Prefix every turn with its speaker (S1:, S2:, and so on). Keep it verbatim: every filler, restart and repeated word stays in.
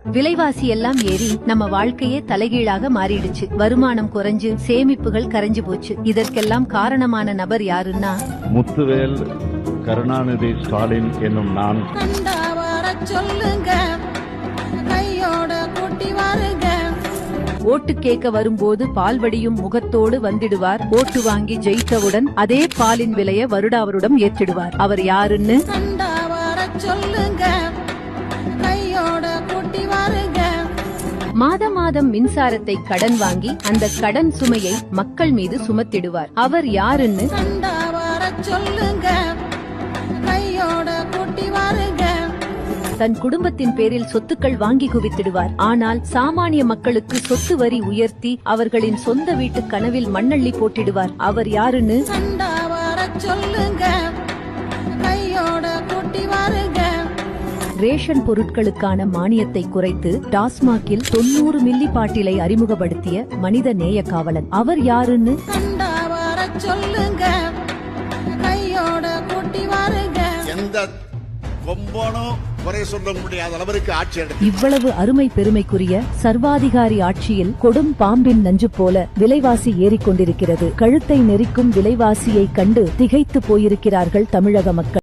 S1: விலைவாசி எல்லாம் ஏறி நம்ம வாழ்க்கையே தலைகீழாக மாறிடுச்சு. வருமானம் குறைஞ்சு சேமிப்புகள் கரைஞ்சு போச்சு. இதற்கெல்லாம் காரணமான நபர் யாருன்னா
S2: முத்துவேல் கருணாநிதி ஸ்டாலின் என்னும் நான்.
S3: சொல்லுங்க கையோட கூட்டி வாருங்க.
S1: ஓட்டு கேட்க வரும்போது பால்வடியும் முகத்தோடு வந்திடுவார். ஓட்டு வாங்கி ஜெயித்தவுடன் அதே பாலின் விலைய வருடாவருடம் ஏற்றிடுவார். அவர் யாருன்னு
S3: சொல்லுங்க கையோட கூட்டி வாருங்க.
S1: மாத மாதம் மின்சாரத்தை கடன் வாங்கி அந்த கடன் சுமையை மக்கள் மீது சுமத்திடுவார். அவர் யாருன்னு
S3: சொல்லுங்க கையோட கூட்டி வாருங்க.
S1: தன் குடும்பத்தின் பேரில் சொத்துக்கள் வாங்கி குவித்திடுவார். ஆனால் சாமானிய மக்களுக்கு சொத்து வரி உயர்த்தி அவர்களின் சொந்த வீட்டு கனவில் மண்ணள்ளி போட்டிடுவார். அவர் யாருன்னு
S3: சொல்லுங்க கையோட கூட்டி வாருங்க.
S1: ரேஷன் பொருட்களுக்கான மானியத்தை குறைத்து டாஸ்மாகில் தொன்னூறு மில்லி பாட்டிலை அறிமுகப்படுத்திய மனித நேய காவலன். அவர் யாருன்னு
S3: சொல்லுங்க கையோட கூட்டி வாருங்க.
S4: எந்த கொம்பனும் குறை சொல்ல முடியாத அளவிற்கு ஆட்சி எடுத்து
S1: இவ்வளவு அருமை பெருமைக்குரிய சர்வாதிகாரி ஆட்சியில் கொடும் பாம்பின் நஞ்சு போல விலைவாசி ஏறிக்கொண்டிருக்கிறது. கழுத்தை நெரிக்கும் விலைவாசியை கண்டு திகைத்து போயிருக்கிறார்கள் தமிழக மக்கள்.